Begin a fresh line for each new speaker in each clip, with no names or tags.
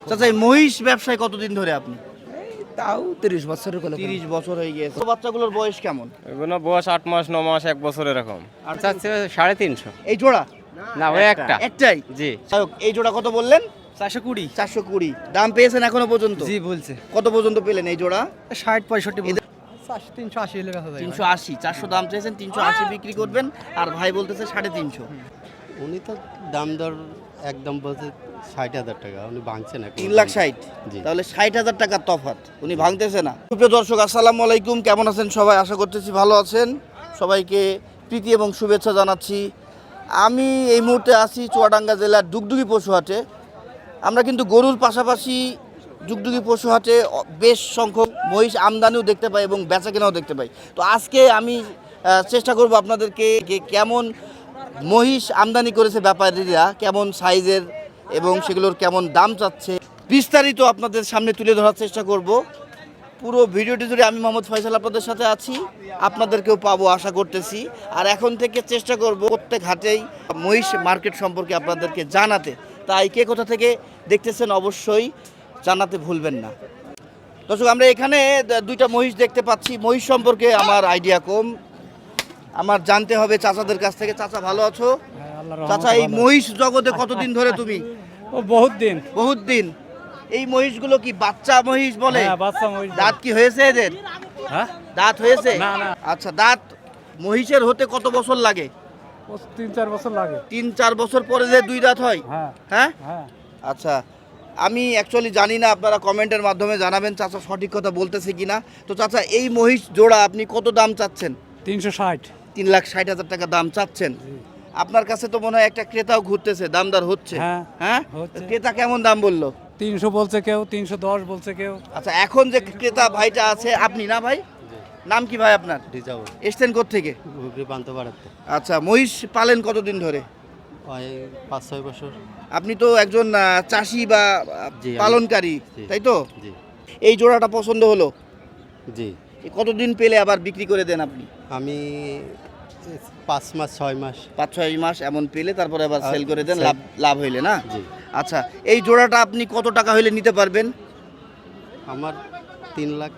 চাচা এই মহিষ ব্যবসায় কতদিন ধরে আপনি?
তাও 30 বছরের কোলে
30 বছর হয়ে গিয়েছে। বাচ্চাগুলোর বয়স কেমন?
এগুলো বয়স 8 মাস 9 মাস 1 বছর এরকম।
আর
চাচ্ছে 350।
এই জোড়া
না ওই একটা।
একটাই?
জি।
যাই হোক, এই জোড়া কত বললেন?
420
420। দাম পেয়েছেন এখনো পর্যন্ত?
জি বলছে
কত পর্যন্ত পেলেন এই জোড়া?
60 65 বলছে 380 এর কাছে যায়
380। 400 দাম চেয়েছেন, 380 বিক্রি করবেন, আর ভাই বলতেছে 350।
উনি তো দাম দর একদম বলছে 60,000 টাকা, উনি ভাঙছে না
3,60,000।
জি।
তাহলে 60,000 টাকার তফাৎ, উনি ভাঙতেছে না। প্রিয় দর্শক, আসসালামু আলাইকুম, কেমন আছেন সবাই? আশা করতেছি ভালো আছেন। সবাইকে প্রীতি এবং শুভেচ্ছা জানাচ্ছি। আমি এই মুহূর্তে আছি চুয়াডাঙ্গা জেলার ডুগডুগি পশুহাটে। আমরা কিন্তু গরুর পাশাপাশি ডুগডুগি পশুহাটে বেশ সংখ্যক মহিষ আমদানিও দেখতে পাই এবং বেচাকেনাও দেখতে পাই। তো আজকে আমি চেষ্টা করব আপনাদেরকে কেমন মহিষ আমদানি করেছে ব্যাপারীরা, কেমন সাইজের এবং সেগুলোর কেমন দাম চাচ্ছে, বিস্তারিত আপনাদের সামনে তুলে ধরার চেষ্টা করব। পুরো ভিডিওটি জুড়ে আমি মোহাম্মদ ফয়সাল আপনাদের সাথে আছি, আপনাদেরকেও পাবো আশা করতেছি। আর এখন থেকে চেষ্টা করব প্রত্যেক হাটেই মহিষ মার্কেট সম্পর্কে আপনাদেরকে জানাতে। তাই কে কোথা থেকে দেখতেছেন অবশ্যই জানাতে ভুলবেন না। দর্শক, আমরা এখানে দুইটা মহিষ দেখতে পাচ্ছি। মহিষ সম্পর্কে আমার আইডিয়া কম, আমার জানতে হবে চাচাদের কাছ থেকে। চাচা ভালো আছো? চাচা, এই মহিষ জগতে কতদিন ধরে তুমি?
ও বহুত দিন
বহুত দিন। এই মহিষগুলো কি বাচ্চা মহিষ বলে?
হ্যাঁ বাচ্চা মহিষ
দাঁত কি হয়েছে এদের?
হ্যাঁ
দাঁত হয়েছে?
না, না।
আচ্ছা, দাঁত মহিষের হতে কত বছর লাগে?
3-4 বছর লাগে
3-4 বছর পরে যে দুই দাঁত হয়?
হ্যাঁ
হ্যাঁ।
হ্যাঁ
আচ্ছা, আমি অ্যাকচুয়ালি জানি না, আপনারা কমেন্টের মাধ্যমে জানাবেন চাচা সঠিক কথা বলতেছে কিনা। তো চাচা, এই মহিষ জোড়া আপনি কত দাম চাচ্ছেন?
360
3,60,000 টাকা দাম চাচ্ছেন। আপনার কাছে তো মনে হয় একটা ক্রেতাও ঘুরতেছে, দামদার হচ্ছে।
হ্যাঁ,
হ্যাঁ,
হচ্ছে।
ক্রেতা কেমন দাম বললো?
300 বলছে কেউ, 310 বলছে কেউ।
আচ্ছা, এখন যে ক্রেতা ভাইটা আছে, আপনি না ভাই? নাম কি ভাই আপনার?
রিজার্ভ
এসছেন কোত্থেকে?
ঘুগরি পান্তা বাড়াতে
আচ্ছা, মহিষ পালেন কতদিন ধরে?
ওই 5-6 বছর।
আপনি তো একজন চাষি বা
জি, আমি-
পালনকারী,
জি।
তাই তো?
জি
এই জোড়াটা পছন্দ হলো,
জি।
এ কতদিন পেলে আবার বিক্রি করে দেন আপনি?
আমি 5 মাস 6 মাস।
5-6 মাস এমন পেলে তারপরে আবার
আর
সেল করে দেন,
sell-
লাভ লাভ হইলে না?
জি।
আচ্ছা, এই জোড়াটা আপনি কত টাকা হইলে নিতে পারবেন?
আমার 3 লাখ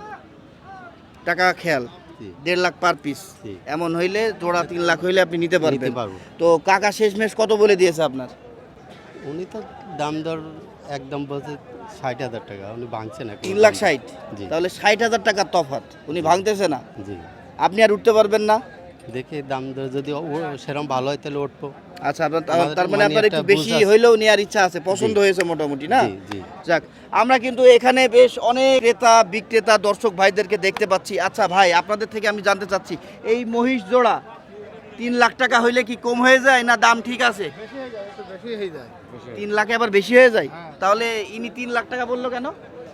টাকা খেয়াল,
জি
1.5 লাখ পার পিস।
জি।
এমন হইলে জোড়া 3 লাখ হইলে আপনি নিতে পারবেন।
নিতে পারবো।
তো কাকা শেষমেশ কত বলে দিয়েছে আপনার?
উনি তো দাম দর একদম বলছে 60,000 টাকা, উনি ভাঙছে না
3,60,000।
জি।
তাহলে 60,000 টাকার তফাৎ, উনি ভাঙতেছে না।
জি।
আপনি আর উঠতে পারবেন না?
দেখি দাম দর যদি সেরকম ভালো হয় তাহলে উঠবো।
আচ্ছা, আপনার
আমাদের
তার মানে
মানে
আপনার
একটা
একটু বেশি
বুঝ আছে।
হইলেও নেওয়ার ইচ্ছা আছে, পছন্দ
জি।
হয়েছে মোটামুটি না?
জি জি।
যাক, আমরা কিন্তু এখানে বেশ অনেক ক্রেতা বিক্রেতা দর্শক ভাইদেরকে দেখতে পাচ্ছি। আচ্ছা ভাই, আপনাদের থেকে আমি জানতে চাচ্ছি, এই মহিষ জোড়া 3 লাখ টাকা হইলে কি কম হয়ে যায় না দাম ঠিক আছে? 3 লাখে আবার বেশি হয়ে যায়? তাহলে ইনি 3 লাখ টাকা বললো কেন?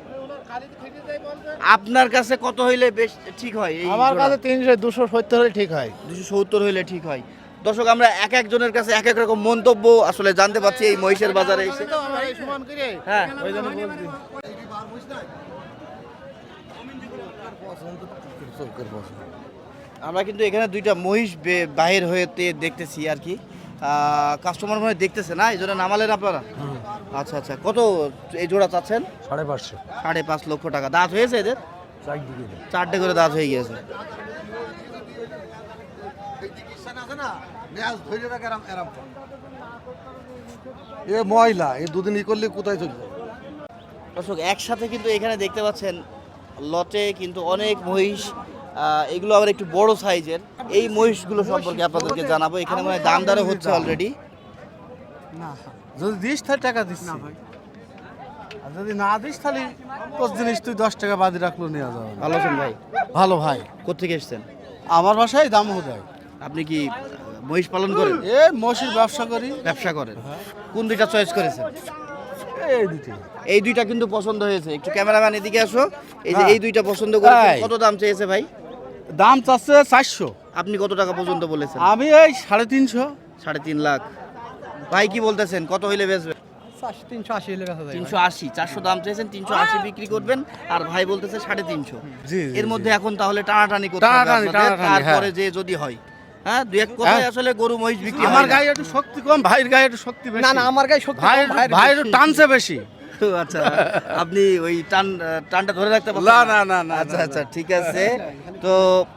আপনার কাছে কত হইলে বেশ ঠিক হয়? এই
আমার
জোড়া?
কাছে 270 হলে ঠিক হয়।
270 হইলে ঠিক হয়। দর্শক, আমরা এক একজনের কাছে এক এক রকম মন্তব্য আসলে জানতে পাচ্ছি এই মহিষের বাজারে এসে। হ্যাঁ,
ওই জন্য বলছি।
আমরা কিন্তু এখানে দুইটা মহিষ বাহির হয়েতে দেখতেছি আর কি। কাস্টমার মনে হয় দেখতেছে না, এই জন্য নামালেন আপনারা? আচ্ছা আচ্ছা, কত এই জোড়া চাচ্ছেন?
550
5.5 লক্ষ টাকা। দাঁত হয়েছে এদের?
চারদিকে
4টে করে দাঁত হয়ে গিয়েছে।
এ ময়লা এ দুদিন ই করলে কোথায় চলে যাবে?
দর্শক, একসাথে কিন্তু এখানে দেখতে পাচ্ছেন লটে কিন্তু অনেক মহিষ। এগুলো আবার একটু বড় সাইজের। এই মহিষগুলো সম্পর্কে আপনাদেরকে জানাবো। এখানে মানে দাম দরও হচ্ছে অলরেডি।
না যদি দিস তাহলে টাকা দিস না ভাই, আর যদি না দিস তাহলে তোর জিনিস তুই 10 টাকা বাদি রাখলো নিয়ে যাবে।
ভালো আছেন ভাই?
ভালো ভাই,
কোত্থেকে এসছেন?
আমার বাসায় দাম হয়।
আপনি কি মহিষ পালন করেন?
এ মসির ব্যবসা করি।
ব্যবসা করেন? কোন দুইটা চয়েস করেছেন?
এই দিতে
এই দুইটা কিন্তু পছন্দ হয়েছে। একটু ক্যামেরাম্যান এদিকে আসো। এই যে
হ্যাঁ।
এই দুইটা পছন্দ করেছেন।
তাই।
কত দাম চেয়েছে ভাই?
দাম চাচ্ছে 400,
আপনি কত টাকা পর্যন্ত বলেছেন?
আমি এই 350।
3.5 লাখ। ভাই কি বলতেছেন, কত হইলে বেচবেন?
380 এর কাছে যায়
380। 400 দাম চেয়েছেন, 380 বিক্রি করবেন, আর ভাই বলতেছে 350।
জি, জি,
এর মধ্যে এখন তাহলে টানাটানি করতে হবে
টানাটানি,
আপনাদের,
টানাটানি,
তারপরে
হ্যাঁ।
যে যদি হয়। হ্যাঁ, দুই এক কথায়
হ্যাঁ।
আসলে গরু মহিষ বিক্রি
আমার
হয় না।
গায়ে একটু শক্তি কম, ভাইয়ের গায়ে একটু শক্তি বেশি।
না না, আমার গায়ে শক্তি
ভাই
কম, ভাইয়ের
ভাই একটু
বেশি।
টানছে বেশি।
আচ্ছা আপনি ওই টানটা ধরে রাখতে পারছেন
না
আচ্ছা আচ্ছা ঠিক আছে তো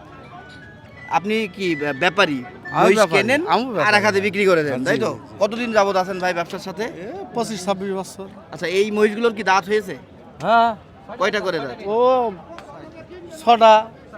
আপনি কি ব্যাপারী
আমি
মহিষ
ব্যাপারী,
কেনেন
আমি ব্যাপারী।
আর এক হাতে বিক্রি করে দেন
জি,
তাই তো
জি,
কতদিন যাবত আছেন ভাই ব্যবসার সাথে
25-26 বছর।
আচ্ছা এই মহিষগুলোর কি দাঁত হয়েছে
হ্যাঁ,
কয়টা করে দাঁত
ও 6টা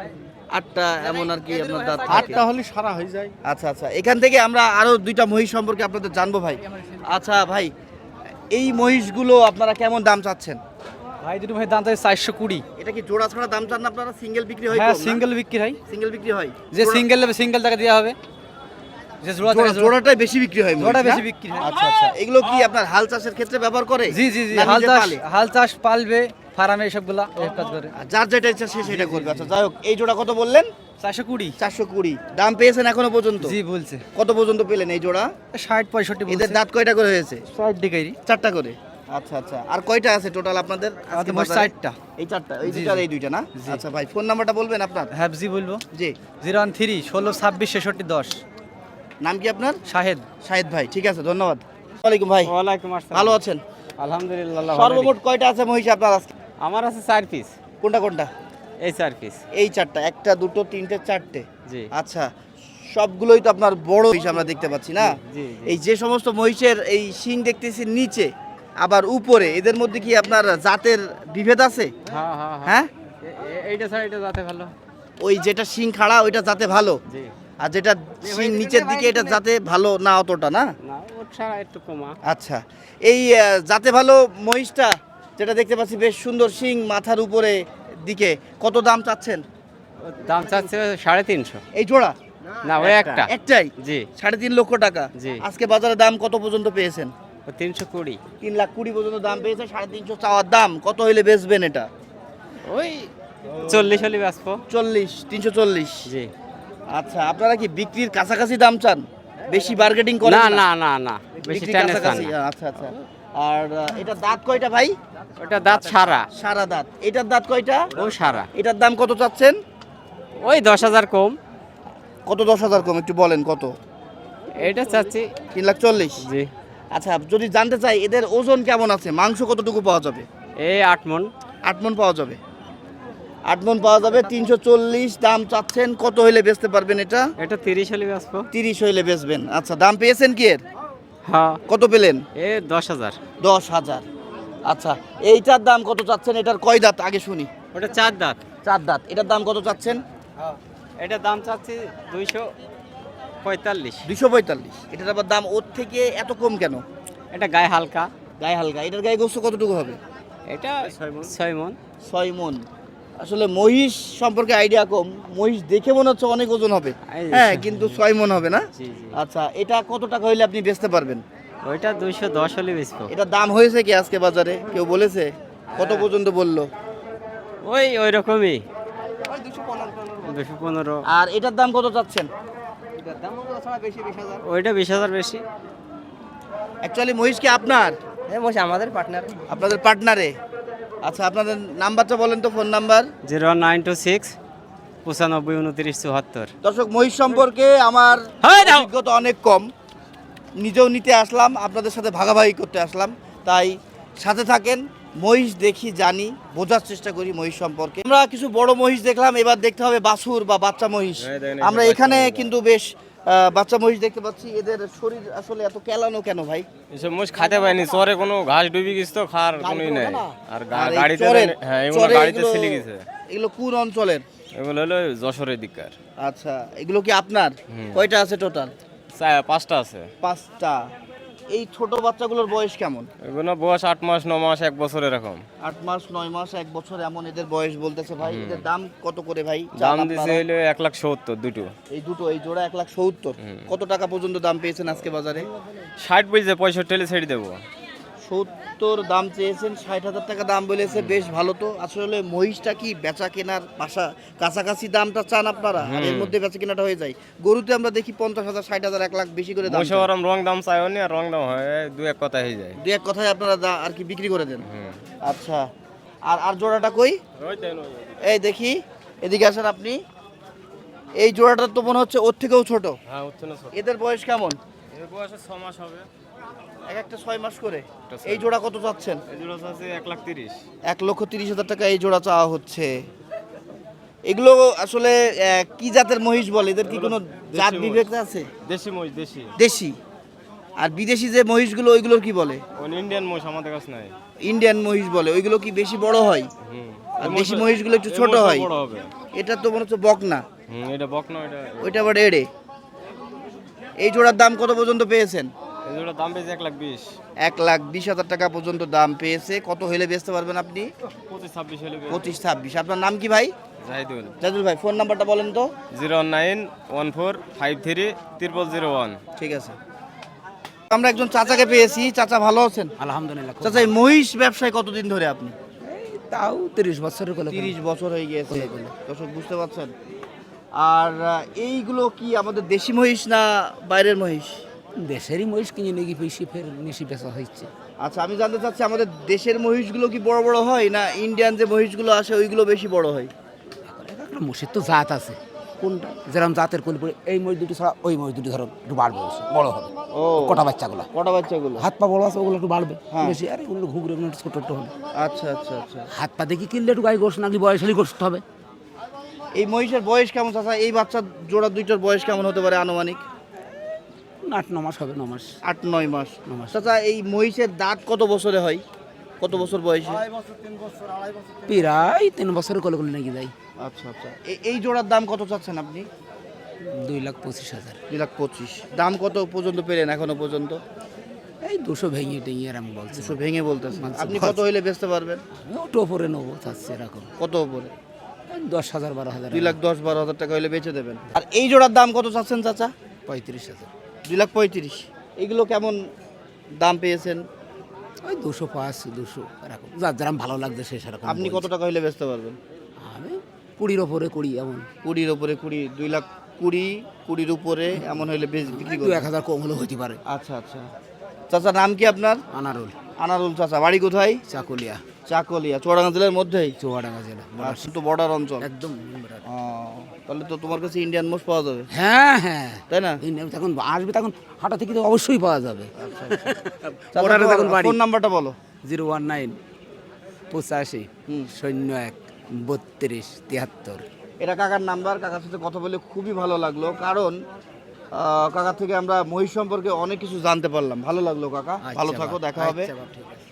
8টা এমন আর কি আপনার দাঁত থাকে।
8টা হলে সারা হয়ে যায়।
আচ্ছা আচ্ছা এখান থেকে আমরা আরো 2টা মহিষ সম্পর্কে আপনাদের জানবো ভাই আচ্ছা ভাই এই মহিষগুলো আপনারা কেমন দাম চাচ্ছেন
ভাই দুটো ভাই দাম চাই 420।
এটা কি জোড়া ছাড়া দাম চান না আপনারা সিঙ্গেল বিক্রি হয়
হ্যাঁ সিঙ্গেল বিক্রি হয়,
সিঙ্গেল বিক্রি হয়
যে সিঙ্গেল নেবে সিঙ্গেল টাকা দেওয়া হবে, যে জোড়া টাকা জোড়া।
জোড়াটাই বেশি বিক্রি হয় মহিষ,
জোড়া
না?
বেশি বিক্রি হয়।
আচ্ছা আচ্ছা এগুলো কি আপনার হাল চাষের ক্ষেত্রে ব্যবহার করে
জি জি জি,
না
হাল
নিজে
চাষ
পালে?
হাল চাষ পালবে ফার্মে এসবগুলা এই কাজ করে।
আর যার যেটা ইচ্ছা সে সেটা করবে আচ্ছা যাই হোক এই জোড়া কত বললেন
420।
420 দাম পেয়েছেন এখনো পর্যন্ত
জি বলছে
কত পর্যন্ত পেলেন এই জোড়া
60-65
এদের
বলছে।
দাঁত কয়টা করে হয়েছে
60 ডিগ্রি।
4টা করে আচ্ছা আচ্ছা আর কয়টা আছে টোটাল আপনাদের আজকে
আমাদের মোট
বাজারে?
60টা।
এই 4টা এই
জি,
দুইটা আর
জি।
এই দুইটা না
জি।
আচ্ছা ভাই ফোন নাম্বারটা বলবেন আপনার
হ্যাঁ জি বলবো,
জি
013 16 26 66 10।
নাম কি আপনার
শাহেদ।
শাহেদ ভাই ঠিক আছে ধন্যবাদ ওয়ালাইকুম ভাই
ওয়ালাইকুম আসসালাম।
ভালো আছেন
আলহামদুলিল্লাহ আল্লাহ ভালো
সর্বমোট কয়টা আছে মহিষ আপনার আজকে
রেখে- আমার আছে 4 পিস,
কোনটা কোনটা
এই 4 পিস।
এই 4টা একটা দুটো তিনটে চারটে
জি
আচ্ছা সবগুলোই তো আপনার বড় মহিষ আমরা দেখতে পাচ্ছি না
জি, জি।
এই যে সমস্ত মহিষের এই শিং দেখতেছি নিচে আবার উপরে এদের মধ্যে কি আপনার জাতের বিভেদ আছে
হ্যাঁ হ্যাঁ হ্যাঁ,
হ্যাঁ
এইটা ছাড়া এটা যাতে ভালো।
ওই যেটা শিং খাড়া ওইটা জাতে ভালো
জি
আর যেটা শিং নিচের দিকে এটা জাতে ভালো না অতটা না
না, ওর ছাড়া একটু কমা।
আচ্ছা এই জাতে ভালো মহিষটা যেটা দেখতে পাচ্ছি বেশ সুন্দর শিং মাথার উপরে দিকে কত দাম চাচ্ছেন
ওর দাম চাচ্ছে 350।
এই জোড়া
না ওই একটা।
একটাই
জি
3.5 লক্ষ টাকা
জি।
আজকে বাজারে দাম কত পর্যন্ত পেয়েছেন
ও 320।
3,20,000 পর্যন্ত দাম পেয়েছে 350 চাওয়ার দাম কত হইলে বেচবেন এটা
ওই 40 হলে বাঁচবো।
340
জি
আচ্ছা আপনারা কি বিক্রির কাছাকাছি দাম চান বেশি বার্গেটিং করেন
না না না না, বেশি
বিক্রির
টানে চান
কাছাকাছি
না।
আচ্ছা আচ্ছা আর এটা দাঁত কয়টা ভাই
ওটা দাঁত সারা,
সারা দাঁত এটার দাঁত কয়টা
ও সারা।
এটার দাম কত চাচ্ছেন
ওই 10,000 কম।
কত 10,000 কম একটু বলেন কত
এটা চাচ্ছি
340
জি
আচ্ছা যদি জানতে চাই এদের ওজন কেমন আছে মাংস কতটুকু পাওয়া যাবে
এই 8 মণ।
8 মণ পাওয়া যাবে 8 মণ পাওয়া যাবে 340 দাম চাচ্ছেন কত হইলে বেচতে পারবেন এটা
এটা 30 হলে বাঁচবো।
30 হইলে বেচবেন আচ্ছা দাম পেয়েছেন কি এর
হ্যাঁ
কত পেলেন
এ 10,000।
10,000 আচ্ছা এইটার দাম কত চাচ্ছেন এটার কয় দাঁত আগে শুনি
ওটা 4 দাঁত।
4 দাঁত এটার দাম কত চাচ্ছেন
এটা দাম চাচ্ছি 245।
245 এটার আবার দাম ওর থেকে এত কম কেন
এটা গায়ে হালকা।
গায়ে হালকা এটার গায়ে গোস্ত কতটুকু হবে
এটা 6 মণ।
6 মণ আসলে মহিষ সম্পর্কে আইডিয়া কম মহিষ দেখে মনে হচ্ছে অনেক ওজন হবে
এই
হ্যাঁ কিন্তু 6 মণ হবে না
জি জি।
আচ্ছা এটা কত টাকা হইলে আপনি বেচতে পারবেন
ওইটা 210 হলে বেচবো।
এটা দাম হয়েছে কি আজকে বাজারে কেউ বলেছে কত পর্যন্ত বললো
ওই রকমই 215।
আর এটার দাম কত চাচ্ছেন
ওইটা 20,000 বেশি।
অ্যাকচুয়ালি মহিষ কি আপনার
আমাদের পার্টনার।
আপনাদের পার্টনারে আচ্ছা আপনাদের নাম্বারটা বলেন তো ফোন নাম্বার
0926 95 29 74।
দর্শক মহিষ সম্পর্কে আমার
হ্যাঁ, দাও।
অভিজ্ঞতা অনেক কম নিজেও নিতে আসলাম আপনাদের সাথে ভাগাভাগি করতে আসলাম তাই সাথে থাকেন মহিষ দেখি জানি বোঝার চেষ্টা করি মহিষ সম্পর্কে আমরা কিছু বড় মহিষ দেখলাম এবার দেখতে হবে বাছুর বা বাচ্চা মহিষ
হ্যাঁ, দেখেন,
আমরা
এই যে
এখানে
বাচ্চা মহিষ।
কিন্তু বেশ বাচ্চা মহিষ দেখতে পাচ্ছি এদের শরীর আসলে এত কেলানো কেন ভাই
এসব মোষ খাতে পাইনি, চরে কোনো ঘাস ডুবি গেছে তো খাওয়ার কোনোই নাই। আর
আর এই
গাড়িতে
চরের-
হ্যাঁ এগুলো
চরে
গাড়িতে
এগুলো-
ছিলি গেছে।
এগুলো কোন অঞ্চলের
এগুলো হলো যশোরের দিককার।
আচ্ছা এগুলো কি আপনার
হুম।
কয়টা আছে টোটাল
5টা আছে।
5টা এই ছোট বাচ্চাগুলোর বয়স কেমন
এগুলো বয়স 8 মাস 9 মাস 1 বছর এরকম।
8 মাস 9 মাস 1 বছর এমন এদের বয়স বলতেছে ভাই এদের দাম কত করে ভাই
দাম
চান
দিছে
আপনারা?
হলো 1,70,000 দুটো।
এই দুটো এই জোড়া 1,70,000 কত টাকা পর্যন্ত দাম পেয়েছেন আজকে বাজারে
60 বলছে 65 হলে ছেড়ে দেবো।
70 দাম চেয়েছেন 60,000 টাকা দাম বলেছে বেশ ভালো তো আসলে মহিষটা কি বেচা কেনার পাশা কাছাকাছি দামটা চান আপনারা আর এর মধ্যে বেচা কেনাটা হয়ে যায় গরুতে আমরা দেখি 50,000 60,000 1 লাখ বেশি করে দাম
মোষে ওরম রং দাম চাইও নি, আর রং দাম হয় দু এক কথা হয়ে যায়।
দুই এক কথায় আপনারা আর কি বিক্রি করে দেন
হুম।
আচ্ছা আর আর জোড়াটা কই এই দেখি এদিকে আসেন আপনি এই জোড়াটা তো মনে হচ্ছে ওর থেকেও ছোট
হ্যাঁ উঠছে না।
এদের বয়স কেমন
এর বয়স 6 মাস হবে।
এক একটা 6 মাস করে।
একটা 6
এই জোড়া কত চাচ্ছেন?
এই জোড়া আছে 1,30,000।
1,30,000 টাকা এই জোড়া চাওয়া হচ্ছে। এগুলো আসলে কি জাতের মহিষ বলে? এদের কি কোনো জাত
দেশি
বিবেক আছে?
দেশি মহিষ, দেশি।
দেশি। আর বিদেশি যে মহিষগুলো ওইগুলোর কি বলে?
ওই ইন্ডিয়ান মহিষ আমাদের কাছে নাই।
ইন্ডিয়ান মহিষ বলে। ওইগুলো কি বেশি বড় হয়?
হুম।
আর
এই
দেশি
মহিষ-
মহিষগুলো একটু
এই
ছোট
মহিষটা
হয়।
বড় হবে।
এটা তো মনে হচ্ছে বকনা,
এটা বকনা, এটা
ওইটা আবার এড়ে। এই জোড়ার দাম কত পর্যন্ত পেয়েছেন?
এই জোড়া দাম বেশি 1,20,000।
1,20,000 টাকা পর্যন্ত দাম পেয়েছে। কত হলে বেচতে পারবেন আপনি?
25-26 হলে
25-26। আপনার নাম কি ভাই?
জাহিদুল।
জাদুল ভাই, ফোন নাম্বারটা বলেন তো।
01914530001।
ঠিক আছে। আমরা একজন চাচাকে পেয়েছি। চাচা ভালো আছেন?
আলহামদুলিল্লাহ
চাচা এই মহিষ ব্যবসায় কতদিন ধরে আপনি?
তাও 30 বছরের কোলে
30 বছর হয়ে গিয়েছে। দর্শক বুঝতে পারছেন। আর এইগুলো কি আমাদের দেশি মহিষ না বাইরের মহিষ?
দেশেরই মহিষ কিনে নিয়ে গিয়ে বেশি ফের বেশি বেচা হচ্ছে।
আচ্ছা, আমি জানতে চাচ্ছি আমাদের দেশের মহিষগুলো কি বড় বড় হয় না ইন্ডিয়ান যে মহিষগুলো আসে ওইগুলো বেশি বড় হয়?
একটা মহিষের তো জাত আছে, কোনটা যেরকম জাতের কোলে পড়ে এই মহিষ দুটি ছাড়া ওই মহিষ দুটি ধরো একটু বাড়বে বেশি, বড় হবে।
ও,
কটা বাচ্চাগুলো
কটা বাচ্চাগুলো?
হাত পা বড় আছে ওগুলো একটু বাড়বে
হ্যাঁ।
বেশি, আর এগুলো ঘুগরে এগুলো একটু ছোট ছোট হবে।
আচ্ছা আচ্ছা আচ্ছা।
হাত পা দেখি কিনলে একটু গায়ে গোস নাকি বয়স হলেই গোস্ত হবে।
এই মহিষের বয়স কেমন চাচা? এই বাচ্চা জোড়া দুইটার বয়স কেমন হতে পারে আনুমানিক?
8-9 মাস হবে, 9 মাস।
8-9 মাস।
9 মাস।
চাচা এই মহিষের দাঁত কত বছরে হয়? কত বছর বয়সে?
প্রায় 3 বছরের কোলে কোলে নাকি যাই।
আচ্ছা আচ্ছা। এই জোড়ার দাম কত চাচ্ছেন আপনি?
2,25,000।
2,25,000। দাম কত পর্যন্ত পেলেন এখনো পর্যন্ত?
এই 200 ভেঙে টেঙে আর আমি বলছি
200 ভেঙে বলতেছেন।
বলছি,
আপনি
বলছি।
কত হইলে বেচতে পারবেন?
আমি ওটা ওপরে নেবো চাচ্ছি এরকম
কত উপরে?
10,000-12,000।
2,10,000-12,000 টাকা হইলে বেচে দেবেন। আর এই জোড়ার দাম কত চাচ্ছেন চাচা?
35,000।
2,35,000। এগুলো কেমন দাম পেয়েছেন?
ওই 205, 200 এরকম, যার যেরকম ভালো লাগছে সে সেরকম।
আপনি কত
বলছি।
টাকা হইলে বেচতে পারবেন?
আমি 20-র ওপরে 20 এমন।
20-র উপরে 20, 2,20,000, 20-র উপরে এমন হইলে বিক্রি করবেন।
2-1,000 কম হলে হতে পারে।
আচ্ছা আচ্ছা। চাচা নাম কি আপনার?
আনারুল,
আনারুল চাচা। বাড়ি কোথায়?
চাকুলিয়া,
চাকলিয়া, চুয়াডাঙ্গা জেলার মধ্যেই?
চুয়াডাঙ্গা জেলা।
আচ্ছা, তো বর্ডার অঞ্চল।
একদম।
ও, তাহলে তো তোমার কাছে ইন্ডিয়ান মোষ পাওয়া যাবে,
হ্যাঁ হ্যাঁ,
তাই না?
এই নিয়ে তখন আসবে, তখন হাটা থেকে তো অবশ্যই পাওয়া যাবে।
চাচা,
বর্ডারে
তোমার
তখন বাড়ি।
ফোন নাম্বারটা বলো।
019 85
হুম।
01 32 73।
এটা কাকার নাম্বার। কাকার সাথে কথা বলে খুবই ভালো লাগলো, কারণ কাকার থেকে আমরা মহিষ সম্পর্কে অনেক কিছু জানতে পারলাম। ভালো লাগলো কাকা, ভালো
আচ্ছা
থাকো,
বাপ,
দেখা হবে।
আচ্ছা বাপ, ঠিক আছে।